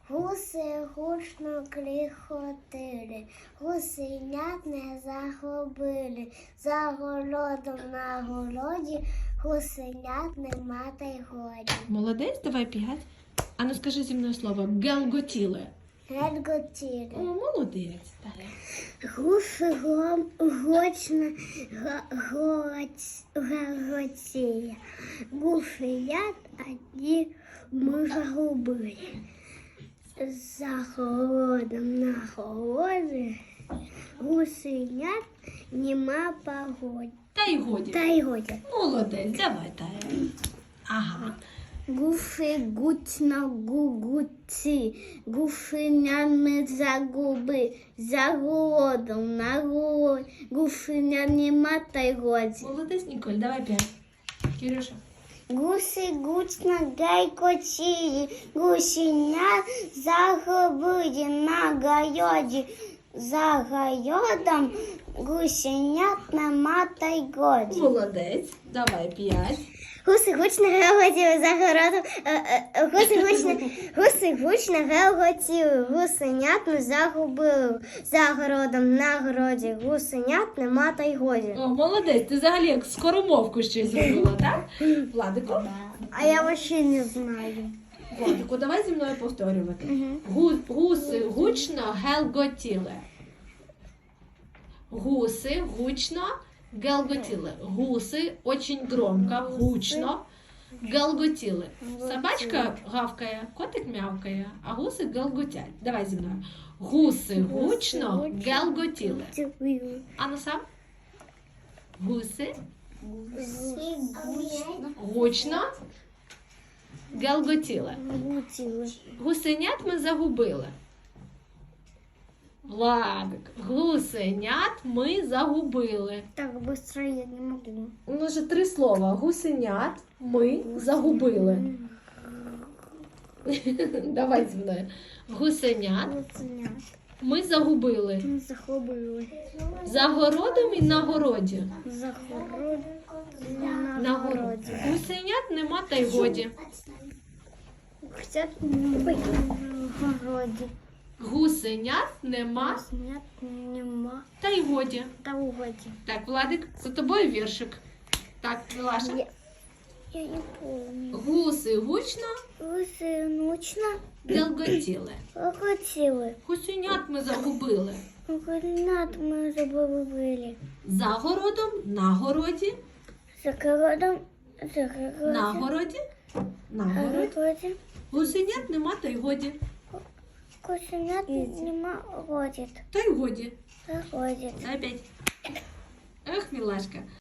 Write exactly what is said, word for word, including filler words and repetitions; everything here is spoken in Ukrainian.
Гуси гучно кліхотили, гусенят не загубили. За городом на городі гусенят нема та й годі. Молодець, давай п'ять. А ну скажи зі мною слово гелготіли. Гелготіли. О, молодець. Далі. Гуси гром гучно гелготіли. Гусенят одні ми загубили. За городом на городі гусенят нема погоди. Та й годі. Та й годі. Молодець, давай далі. Ага. Гуси гучно гугуці, гусенят ми загуби. За городом на городі гусенят нема та й годі. Молодець, Ніколь, давай п'ять. Кирюша. Гуси гучно гайкотіли, гусенят загубили на городі. За городом гусенят нема та й годі. Молодець, давай п'ять. Гуси гучно гелготіли за городом, е, е, гуси гучно, гуси гучно гелготіли, гусенят не загубили. За городом на городі гусенят нема та й годі. О, молодець, ти взагалі як скоромовку ще зробила, так? Владику? А я вообще не знаю. Владику, давай зі мною повторювати. Гу- Гуси гучно гелготіли. Гуси гучно гелготіли. Гуси очень громко, гучно гелготіли. Собачка гавкає, котик мявкає, а гуси гелготять. Давай зі мною. Гуси гучно гелготіли. А ну сам? Гуси Гуси гучно гучно гелготіли. гелготіли. Гусенят ми загубили. Владик, гусенят ми загубили. Так быстро я не могу. У нас же три слова. Гусенят ми загубили. Давай зі мною. Гусенят Гусенят ми загубили. не загубили. За городом і на городі. За городом На городі. Гусенят нема та й годі. Хотят быть в городе. Гусенят нема Гусенят нема та й годі. та в городе. Так, Владик, за тобою віршик. Так, Милаша. Я, я не помню. Гуси гучно Гуси ночно гелготіли. хотіли. Гусенят ми загубили. Гусенят ми забули. За городом, на городі, За городом, за городом. на городі, на На городі. городі. Гусенят нема та й годі. Гусенят нема ходить. Та й годі. Заходить. Опять. Ех, мілашка.